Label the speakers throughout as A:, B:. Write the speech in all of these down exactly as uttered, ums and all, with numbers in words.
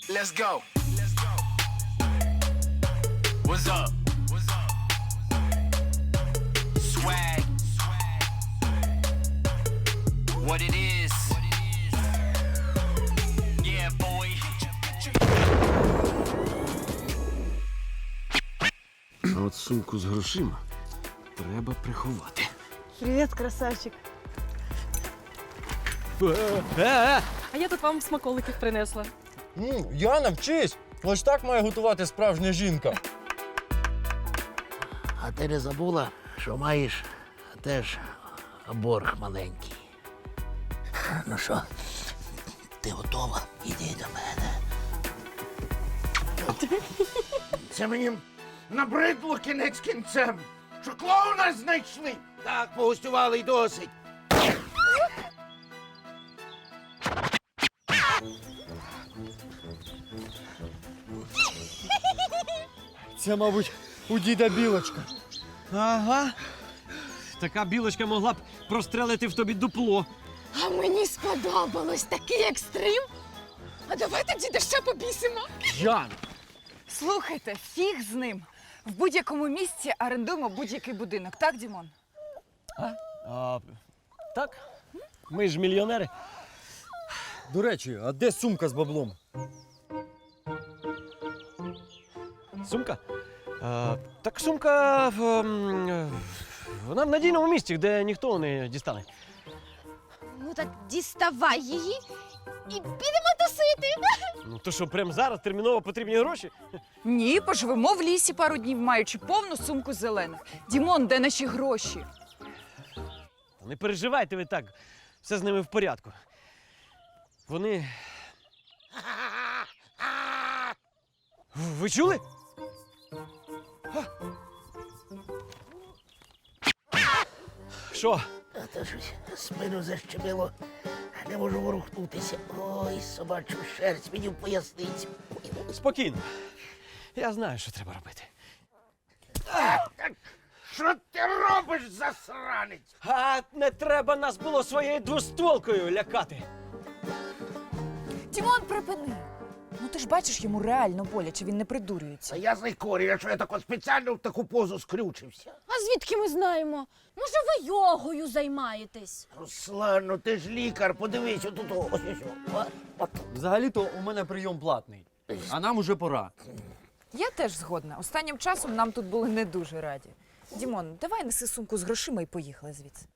A: Let's go. What's up? What's up? Swag. What it is. Yeah, boy.
B: А от сумку з грошима треба приховати.
C: Привіт, красавчик.
D: А я тут вам смаколиків принесла.
E: М, Яна, вчись! Ось так має готувати справжня жінка.
F: А ти не забула, що маєш теж борг маленький. Ну що, ти готова? Іди до мене. Це мені набридло кінець кінцем, що клоуна знайшли. Так, погостювали й досить.
E: Це, мабуть, у діда білочка.
B: Ага. Така білочка могла б прострелити в тобі дупло.
G: А мені сподобалось такий екстрим. А давайте діда ще побісимо.
E: Ян!
C: Слухайте, фіг з ним. В будь-якому місці орендуємо будь-який будинок, так, Дімон?
B: А, так? Ми ж мільйонери.
E: До речі, а де сумка з баблом?
B: Сумка? А, так сумка в, ем, вона в надійному місці, де ніхто не дістане.
G: Ну так діставай її і підемо тусити.
B: Ну то що, прямо зараз терміново потрібні гроші?
C: Ні, поживемо в лісі пару днів, маючи повну сумку зелених. Дімон, де наші гроші?
B: Та не переживайте ви так, все з ними в порядку. Вони. Ви чули? Що?
F: А то щось спину защемило. Не можу ворухнутися. Ой, собачу шерсть мені в поясниці.
B: Спокійно. Я знаю, що треба робити.
F: Що ти робиш, засранець?
B: А не треба нас було своєю двостволкою лякати.
C: Дімон, припини. Ну ти ж бачиш, йому реально боляче, він не придурюється.
F: Та я знайкорю, якщо я так от спеціально в таку позу скрючився.
G: А звідки ми знаємо? Може, ви йогою займаєтесь?
F: Руслан, ну ти ж лікар, подивись, отут ось ось. От, от.
E: Взагалі-то у мене прийом платний. А нам уже пора.
C: Я теж згодна. Останнім часом нам тут були не дуже раді. Дімон, давай неси сумку з грошима і поїхали звідси.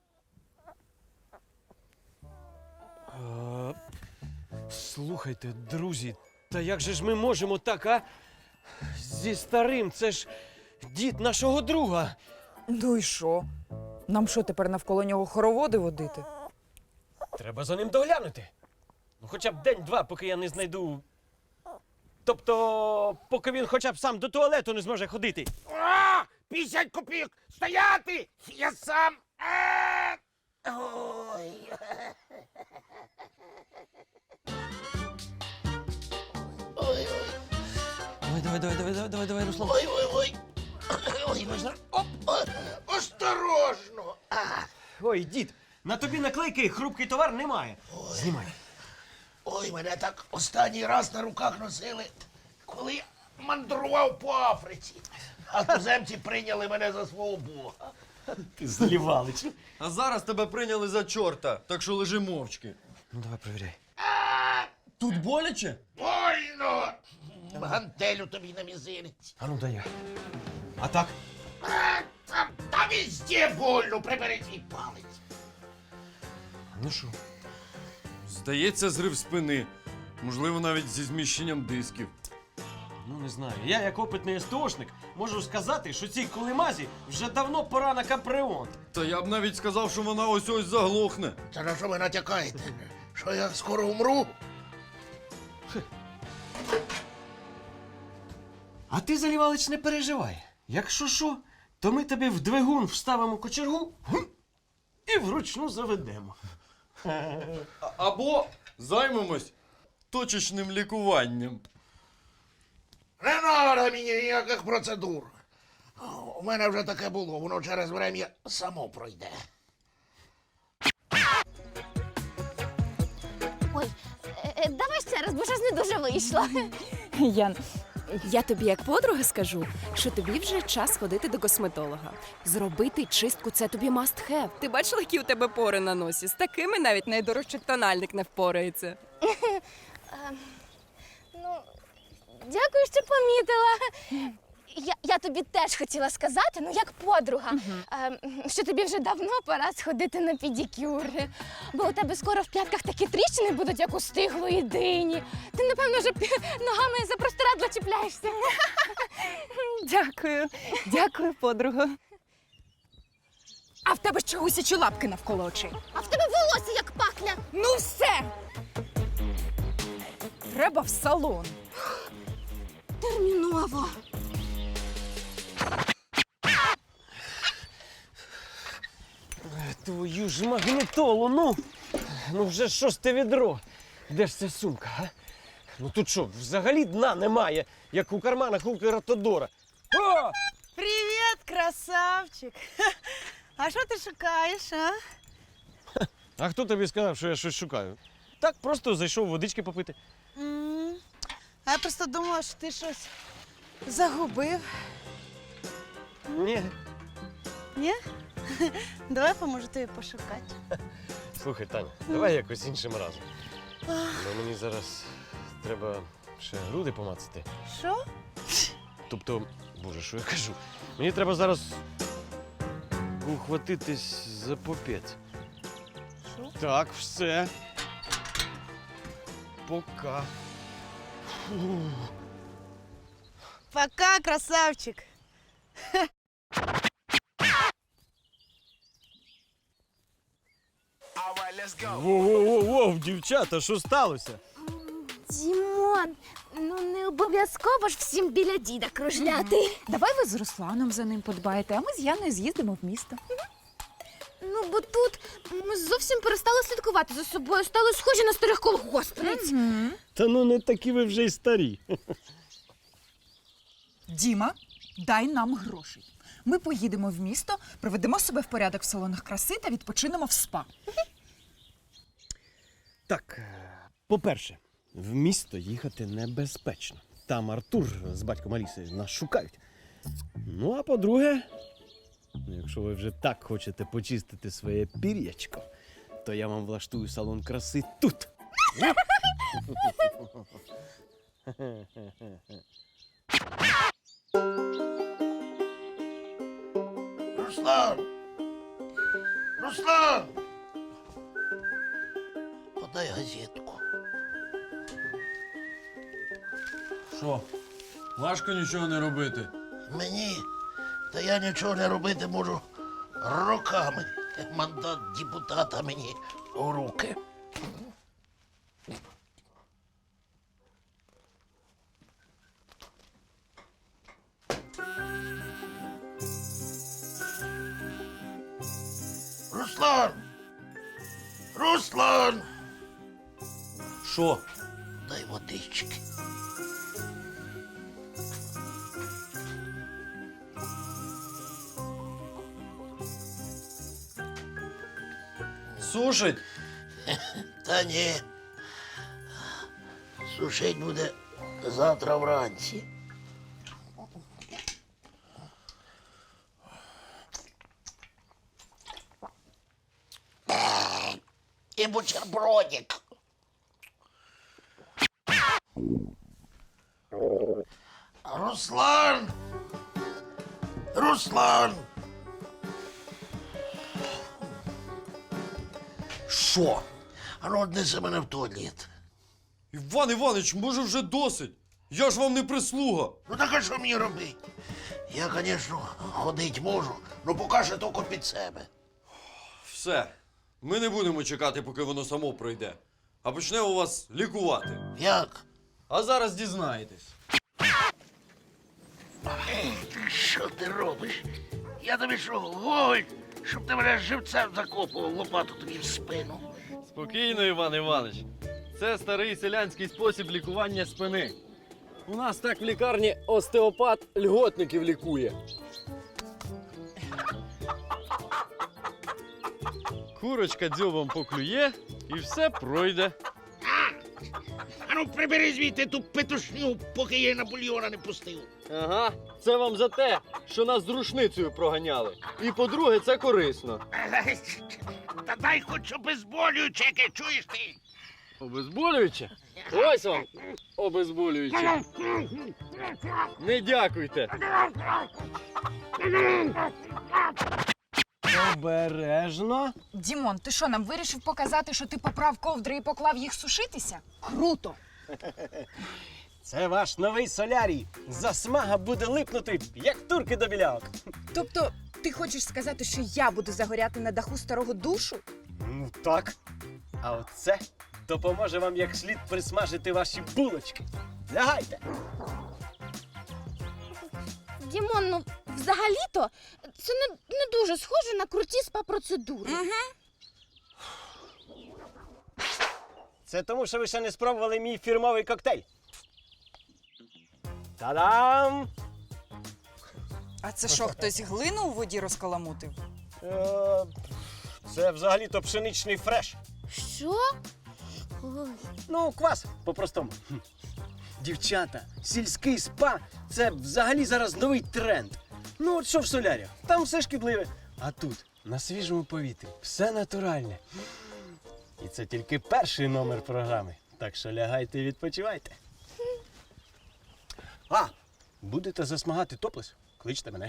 B: А, слухайте, друзі, та як же ж ми можемо так, а? Зі старим, це ж дід нашого друга.
C: Ну і що? Нам що, тепер навколо нього хороводи водити?
B: Треба за ним доглянути. Ну, хоча б день-два, поки я не знайду. Тобто, поки він хоча б сам до туалету не зможе ходити.
F: А, п'ятдесят копійок! Стояти! Я сам! А! Ой. Ой, ой,
B: Давай, давай, давай, давай, давай, давай, давай, Руслан.
F: ой, ой, ой. Ой, можна... Оп, о, осторожно! А,
B: Ой, дід, на тобі наклейки хрупкий товар немає. Знімай.
F: ой, мене так останній раз на руках носили, коли я мандрував по Африці. А туземці прийняли мене за свого бога.
B: Ти злівалич.
E: А зараз тебе прийняли за чорта, так що лежи мовчки.
B: Ну, давай, провіряй.
F: А,
E: Тут боляче?
F: больно! Гантелю тобі на мізинець.
B: А ну, дай я. А так?
F: А, та, та везде больно, прибери твій палець.
B: Ну що?
E: Здається, зрив спини. Можливо, навіть зі зміщенням дисків.
B: Ну, не знаю. Я, як опитний СТОшник, можу сказати, що цій колимазі вже давно пора на капремонт.
E: Та я б навіть сказав, що вона ось-ось заглохне.
F: Та на що ви натякаєте? Що я скоро умру?
B: А ти, Залівалич, не переживай. Якщо що, то ми тебе в двигун вставимо кочергу гм, і вручну заведемо.
E: А- Або займемось точечним лікуванням.
F: Не треба мені ніяких процедур. У мене вже таке було, воно через врем'я само пройде.
G: Ой, е, е, давай ще раз бо щось не дуже вийшло.
H: Ян, я тобі як подруга скажу, що тобі вже час ходити до косметолога. Зробити чистку – це тобі must have. Ти бачила, які у тебе пори на носі? З такими навіть найдорожчий тональник не впорається.
G: Ну, дякую, що помітила. Я, я тобі теж хотіла сказати, ну як подруга, е, що тобі вже давно пора сходити на педикюр. Бо у тебе скоро в п'ятках такі тріщини будуть, як у стиглої дині. Ти, напевно, вже ногами за простирадло чіпляєшся.
H: Дякую. Дякую, подруга.
C: А в тебе ще гусячі лапки навколо очей.
G: А в тебе волосся як пахля.
C: Ну все! Треба в салон.
G: Терміново.
B: Твою ж магнітолу, ну! Ну вже шосте відро. Де ж ця сумка, а? Ну тут що, взагалі дна немає, як у карманах у Кератодора. О!
I: Привіт, красавчик! А що ти шукаєш, а?
B: А хто тобі сказав, що я щось шукаю? Так, просто зайшов водички попити.
I: М, А я просто думала, що ти щось загубив.
B: Ні.
I: Ні? Давай поможу тобі пошукати.
B: Слухай, Таня, давай якось іншим разом. Бо мені зараз треба ще груди помацати.
I: Що?
B: Тобто, боже, що я кажу? Мені треба зараз ухватитись за попець.
I: Що?
B: Так, все. Пока. Фу.
I: Пока, красавчик!
B: Воу-воу-воу, дівчата, що сталося?
G: Дімон, ну не обов'язково ж всім біля діда кружляти.
C: Давай ви з Русланом за ним подбаєте, а ми з Яною з'їздимо в місто.
G: Ну, бо тут ми зовсім перестали слідкувати за собою, стали схожі на старих колгоспниць.
B: Та ну не такі ви вже й старі.
C: Діма, дай нам грошей. Ми поїдемо в місто, приведемо себе в порядок в салонах краси та відпочинемо в спа.
B: Так, по-перше, в місто їхати небезпечно. Там Артур з батьком Аліси нас шукають. Ну, а по-друге, якщо ви вже так хочете почистити своє пір'ячко, то я вам влаштую салон краси тут.
F: Руслан! Руслан! Подай газетку.
E: Що? Важко нічого не робити.
F: Мені? Та я нічого не робити можу роками. Мандат депутата мені у руки. Руслан! Руслан!
E: Що?
F: Дай водички.
E: Сушить?
F: Та ні. Сушить буде завтра вранці. І бутербродик. Руслан! Руслан!
E: Що?
F: А ну, однеси мене в туалет.
E: Іван Іванович, може вже досить? Я ж вам не прислуга.
F: Ну так а що мені робити? Я, звісно, ходить можу, але поки що тільки під себе.
E: Все. Ми не будемо чекати, поки воно само пройде. А почнемо вас лікувати.
F: Як?
E: А зараз дізнаєтесь.
F: Що ти робиш? Я тобі що, голь, щоб ти мене живцем закопував лопату тобі в спину.
J: Спокійно, Іван Іванович. Це старий селянський спосіб лікування спини. У нас так в лікарні остеопат льготників лікує. Курочка дзьобом поклює і все пройде.
F: Ану, прибери звідти ту петушню, поки я на бульйона не пустив.
J: Ага, це вам за те, що нас з рушницею проганяли. І по-друге, це корисно.
F: Та дай хоч обезболююче, яке чуєш ти.
J: Обезболююче? Ось вам обезболююче. Не дякуйте.
B: Обережно.
C: Дімон, ти що, нам вирішив показати, що ти поправ ковдри і поклав їх сушитися? Круто!
B: Це ваш новий солярій. Засмага буде липнути, як турки до білявок.
C: Тобто, ти хочеш сказати, що я буду загоряти на даху старого душу?
B: Ну так. А оце допоможе вам як слід присмажити ваші булочки. Лягайте.
G: Дімон, ну взагалі-то це не, не дуже схоже на круті спа-процедури.
B: Це тому, що ви ще не спробували мій фірмовий коктейль. Та-дам!
C: А це що, хтось глину у воді розкаламутив?
B: Е, Це взагалі-то пшеничний фреш.
G: Що? Ой.
B: Ну, квас, по-простому. Хм. Дівчата, сільський спа – це взагалі зараз новий тренд. Ну, от що в солярі? Там все шкідливе. А тут, на свіжому повітрі, все натуральне. І це тільки перший номер програми. Так що лягайте і відпочивайте. А, будете засмагати топлес? Кличте мене.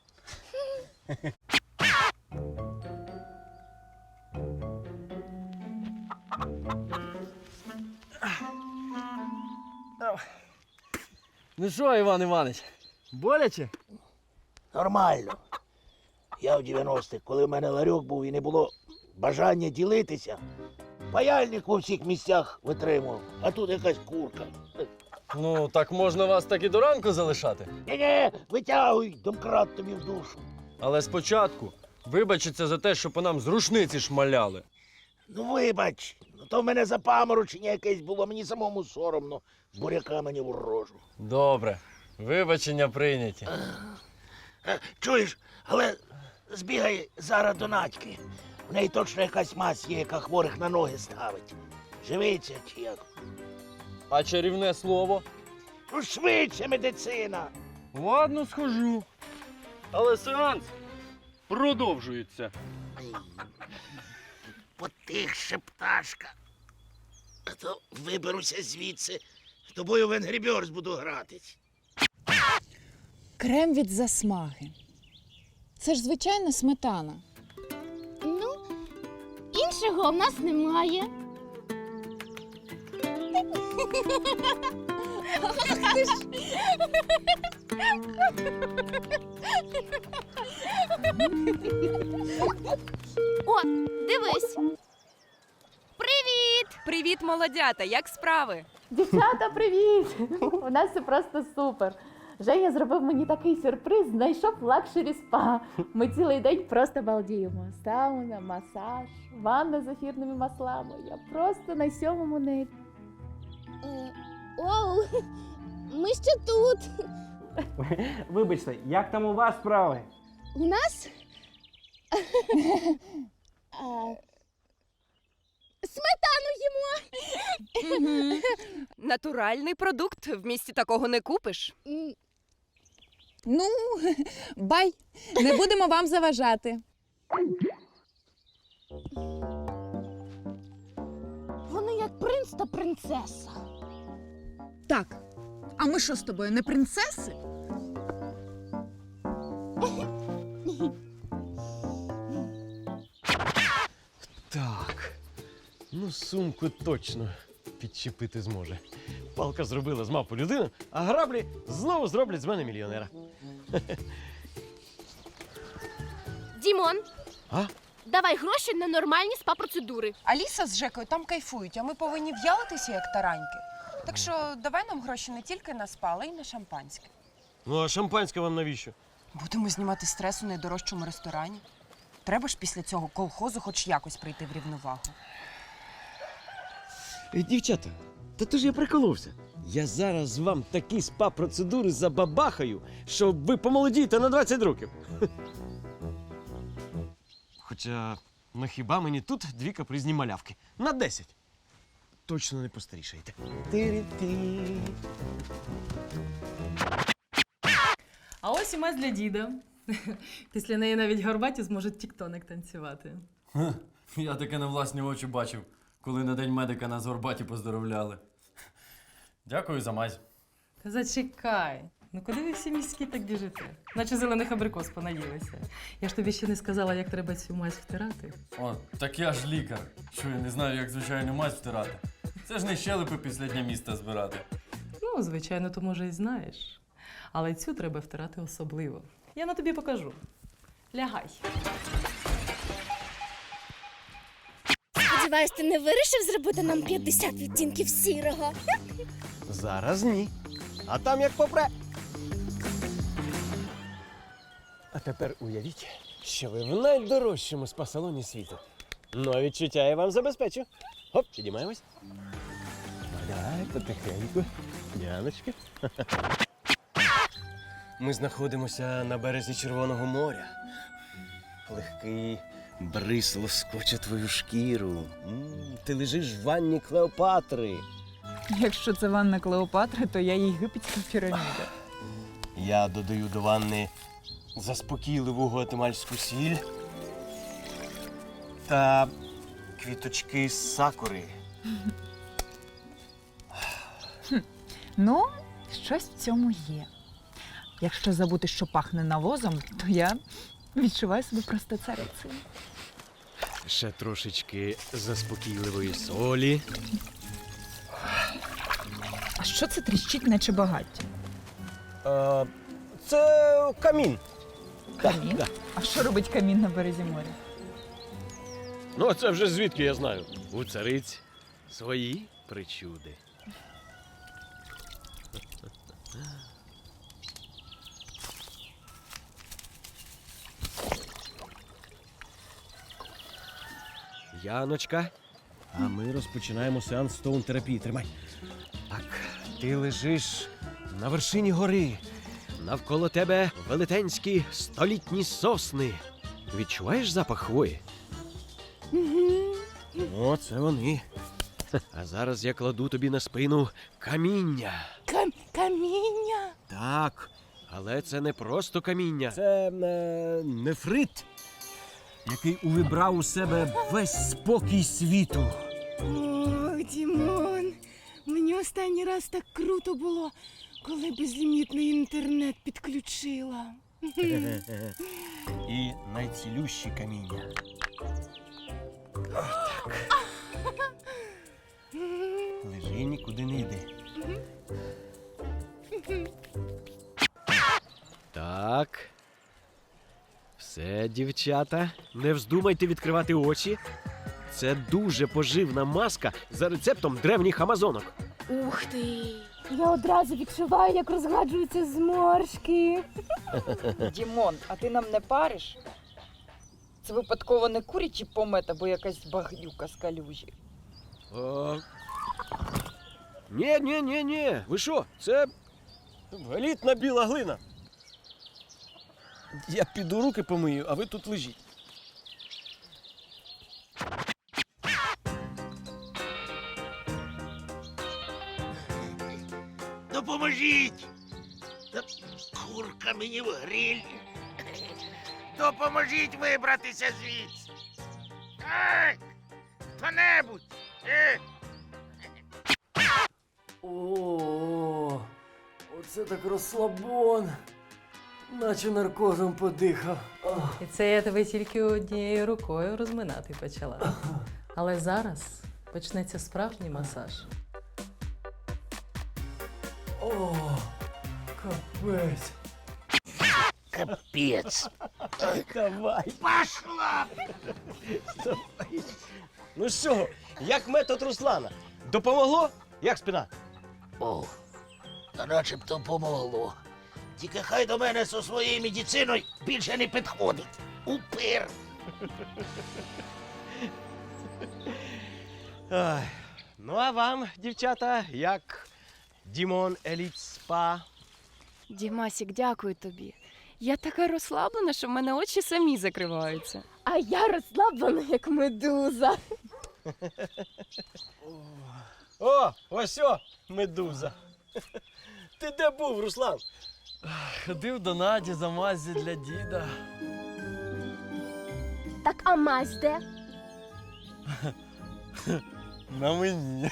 J: Ну що, Іван Іванович, боляче?
F: Нормально. Я в дев'яностих, коли в мене ларьок був і не було бажання ділитися, паяльник у всіх місцях витримував, а тут якась курка.
J: Ну, так можна вас так і до ранку залишати.
F: Ні-ні, витягуй, домкрат тобі в душу.
J: Але спочатку вибачиться за те, що по нам з рушниці шмаляли.
F: Ну вибач, ну то в мене запаморочення якесь було, мені самому соромно. Буряка мені в рожу.
J: Добре, вибачення прийняті.
F: Е, Чуєш, але збігай зараз до Надьки. В неї точно якась мазь є, яка хворих на ноги ставить. Живиться чи як?
J: А чарівне слово?
F: Ну швидше медицина.
J: Ладно, схожу. Але сеанс продовжується.
F: Потихше, пташка. А то виберуся звідси, з тобою в Angry Birds буду гратись.
C: Крем від засмаги. Це ж звичайна сметана.
G: Ну, іншого в нас немає. О, дивись. Привіт!
H: Привіт, молодята! Як справи?
D: Дівчата, привіт! У нас все просто супер. Женя зробив мені такий сюрприз, знайшов лакшері спа. Ми цілий день просто балдіємо. Сауна, масаж, ванна з ефірними маслами. Я просто на сьомому небі.
G: Е, Оу, ми ще тут.
B: Вибачте, як там у вас справи?
G: У нас? А, Сметану їмо.
H: Натуральний продукт, в місті такого не купиш.
G: М,
C: Ну, бай, не будемо вам заважати.
G: Вони як принц та принцеса.
C: Так, а ми що з тобою, не принцеси?
B: Так. Ну, сумку точно підчепити зможе. Палка зробила з мавпу людину, а граблі знову зроблять з мене мільйонера.
G: Дімон,
B: А?
G: давай гроші на нормальні спа-процедури.
C: Аліса з Жекою там кайфують, а ми повинні в'ялитися, як тараньки. Так що давай нам гроші не тільки на спа, але й на шампанське.
B: Ну, а шампанське вам навіщо?
C: Будемо знімати стрес у найдорожчому ресторані. Треба ж після цього колхозу хоч якось прийти в рівновагу.
B: Е, Дівчата, та то ж я приколовся. Я зараз вам такі спа-процедури забабахаю, що ви помолодієте на двадцять років. Хоча, ну хіба мені тут дві капризні малявки? На десять. точно не постарішаєте. Ти-ри-ти.
K: А ось і мазь для діда. Після неї навіть горбаті зможуть тіктоник танцювати.
J: Я таке на власні очі бачив, коли на День медика нас в Горбаті поздоровляли. Дякую за мазь.
K: Та зачекай. Ну куди ви всі міські так біжите? Наче зелених абрикос понаїлися. Я ж тобі ще не сказала, як треба цю мазь втирати.
J: О, так я ж лікар. Що я не знаю, як звичайну мазь втирати. Це ж не щелепи після дня міста збирати.
K: Ну, звичайно, то може і знаєш. Але цю треба втирати особливо. Я на тобі покажу. Лягай.
G: Сподіваюсь, ти не вирішив зробити нам п'ятдесят відтінків сірого?
B: Зараз ні. А там як попре. А тепер уявіть, що ви в найдорожчому спа-салоні світу. Ну, а відчуття я вам забезпечу. Хоп, підіймаємось. Давай, потихеньку. Яночка. Ми знаходимося на березі Червоного моря. Легкий бриз лоскоче твою шкіру. М, Ти лежиш в ванні Клеопатри.
C: Якщо це ванна Клеопатри, то я єгипетська піраміда.
B: Я додаю до ванни заспокійливу гуатемальську сіль та квіточки з сакури.
C: Ну, щось в цьому є. Якщо забути, що пахне навозом, то я відчуваю себе просто царицею.
B: Ще трошечки заспокійливої солі.
C: А що це тріщить, наче багаття?
B: А, це камін.
C: Камін?
B: Да.
C: А що робить камін на березі моря?
B: Ну, а це вже звідки я знаю. У цариць свої причуди. Яночка, а ми розпочинаємо сеанс стоун-терапії. Тримай. Так, ти лежиш на вершині гори. Навколо тебе велетенські столітні сосни. Відчуваєш запах хвої? О, це вони. А зараз я кладу тобі на спину каміння.
G: Кам- каміння?
B: Так, але це не просто каміння. Це е, нефрит, який увібрав у себе весь спокій світу.
I: Ох, Дімон, мені останній раз так круто було, коли безлімітний інтернет підключила.
B: І найцілющі каміння. Так. Лежи, нікуди не йди. Так. Все, дівчата, не вздумайте відкривати очі. Це дуже поживна маска за рецептом древніх амазонок.
G: Ух ти! Я одразу відчуваю, як розгладжуються зморшки.
C: Дімон, а ти нам не париш? Це випадково не курячі помет або якась багнюка з калюжі.
B: О... Ні, ні, ні, ні. Ви що? Це елітна біла глина. Я піду руки помию, а ви тут лежіть.
F: Допоможіть! Та курка мені в гриль. Допоможіть вибратися звідси. Ай! Хто-небудь! Е!
J: О, оце так розслабон. Наче наркозом подихав.
K: І це я тебе тільки однією рукою розминати почала. Але зараз почнеться справжній масаж.
J: О, капець.
F: Капець!
B: Давай.
F: Пошла!
B: Ну що, як метод Руслана? Допомогло? Як спина?
F: О, та начебто помогло. Тільки хай до мене зі своєю медициною більше не підходить. Упир!
B: Ай. Ну а вам, дівчата, як Дімон Еліт Спа?
H: Дімасік, дякую тобі. Я така розслаблена, що в мене очі самі закриваються.
G: А я розслаблена, як медуза.
B: О, ось о, медуза. Ти де був, Руслан?
J: Ходив до Наді за мазі для діда.
G: Так, а мазь де?
J: На мені.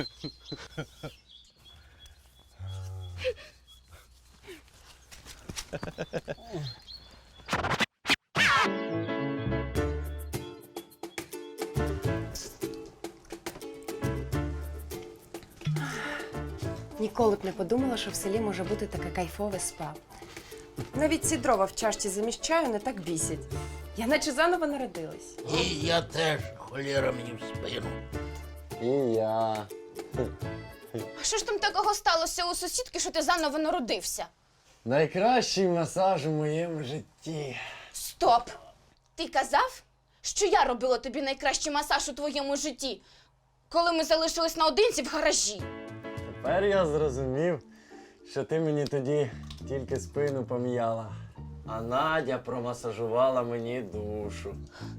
H: Ніколи б не подумала, що в селі може бути таке кайфове спа. Навіть ці дрова в чашці замість чаю не так бісять. Я наче заново народилась.
F: І я теж, холєра мені в спину.
J: І я.
G: А що ж там такого сталося у сусідки, що ти заново народився?
J: Найкращий масаж у моєму житті.
G: Стоп! Ти казав, що я робила тобі найкращий масаж у твоєму житті, коли ми залишились наодинці в гаражі.
J: Тепер я зрозумів, що ти мені тоді тільки спину пом'яла, а Надя промасажувала мені душу.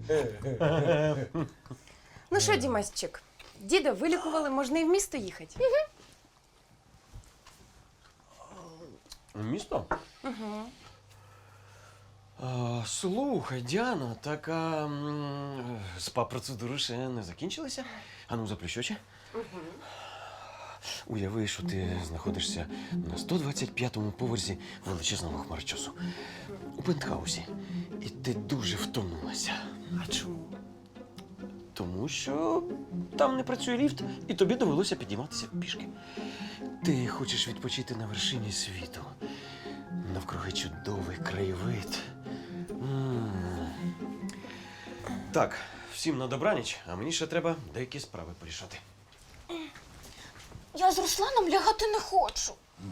H: Ну що, Дімасчик, діда вилікували, можна і в місто їхати.
B: Місто?
H: Угу.
B: А, слухай, Діана, так а, м, спа-процедури ще не закінчилися? Ану, заплющ очі.
H: Угу.
B: Уяви, що ти знаходишся на сто двадцять п'ятому поверсі величезного хмарочосу. У пентхаусі. І ти дуже втомилася.
H: А чому?
B: Тому що там не працює ліфт, і тобі довелося підійматися пішки. Ти хочеш відпочити на вершині світу. Навкруги чудовий краєвид. М. Так, всім на добраніч, а мені ще треба деякі справи порішати.
G: Я з Русланом лягати не хочу.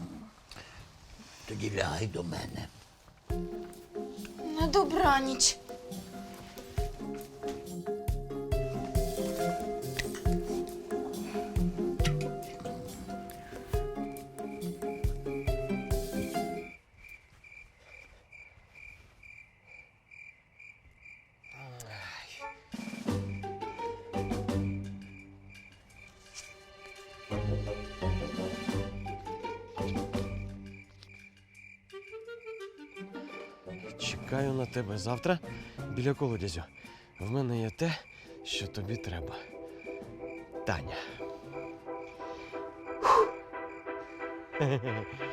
F: Тоді лягай до мене.
G: На добраніч.
B: Чекаю на тебе завтра біля колодязю. В мене є те, що тобі треба. Таня.